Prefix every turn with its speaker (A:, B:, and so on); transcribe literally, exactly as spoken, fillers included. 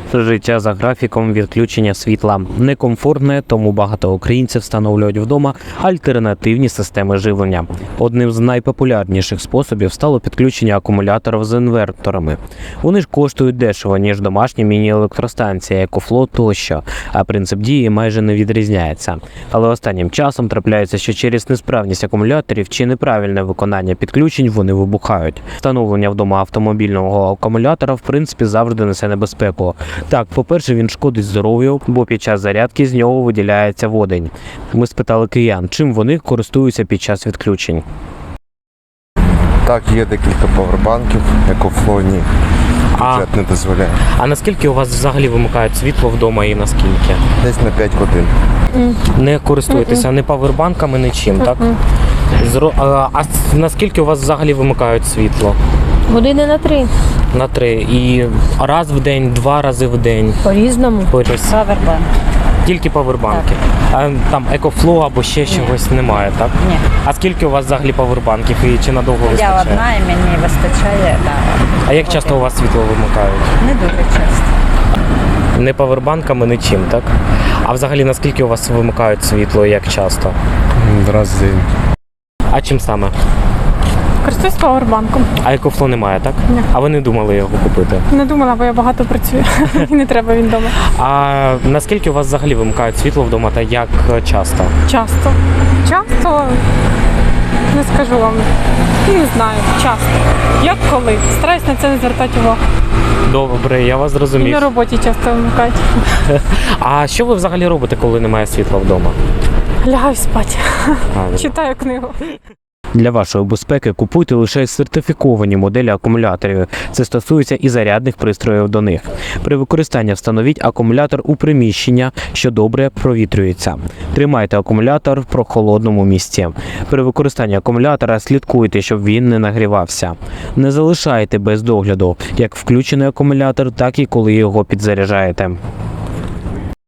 A: Життя за графіком відключення світла некомфортне, тому багато українців встановлюють вдома альтернативні системи живлення. Одним з найпопулярніших способів стало підключення акумуляторів з інверторами. Вони ж коштують дешево, ніж домашні міні-електростанції, екофло тощо, а принцип дії майже не відрізняється. Але останнім часом трапляється, що через несправність акумуляторів чи неправильне виконання підключень вони вибухають. Встановлення вдома автомобільного акумулятора в принципі завжди несе небезпеку. Так, по-перше, він шкодить здоров'ю, бо під час зарядки з нього виділяється водень. Ми спитали киян, чим вони користуються під час відключень.
B: Так, є декілька павербанків, екофлоні, бюджет не дозволяє.
A: А наскільки у вас взагалі вимикають світло вдома і наскільки?
B: Десь на п'ять годин.
A: Не користуєтеся ні павербанками, нічим, так? Зро... А, а наскільки у вас взагалі вимикають світло?
C: Години на три.
A: На три. І раз в день, два рази в день?
C: По-різному.
A: Поріз.
D: Павербанк.
A: Тільки павербанки. А там екофло або ще чогось немає, так?
D: Ні.
A: А скільки у вас взагалі павербанків і чи надовго
D: Я
A: вистачає?
D: одна і мені вистачає, да.
A: А як часто у вас світло вимикають?
D: Не дуже часто.
A: Не павербанками, нічим, так? А взагалі наскільки у вас вимикають світло і як часто?
B: Раз в день.
A: А чим саме?
E: Користуюсь павербанком.
A: А екофло немає, так?
E: Ні.
A: А ви не думали його купити?
E: Не думала, бо я багато працюю. І не треба він вдома.
A: А наскільки у вас взагалі вимикають світло вдома та як часто?
E: Часто. Часто, не скажу вам. Не знаю, часто. Як коли. Стараюсь на це не звертати увагу.
A: Добре, я вас
E: І
A: зрозумів.
E: на роботі часто вимикають.
A: А що ви взагалі робите, коли немає світла вдома?
E: Лягаю спати.
A: А,
E: Читаю книгу.
A: Для вашої безпеки купуйте лише сертифіковані моделі акумуляторів. Це стосується і зарядних пристроїв до них. При використанні встановіть акумулятор у приміщення, що добре провітрюється. Тримайте акумулятор в прохолодному місці. При використанні акумулятора слідкуйте, щоб він не нагрівався. Не залишайте без догляду як включений акумулятор, так і коли його підзаряджаєте.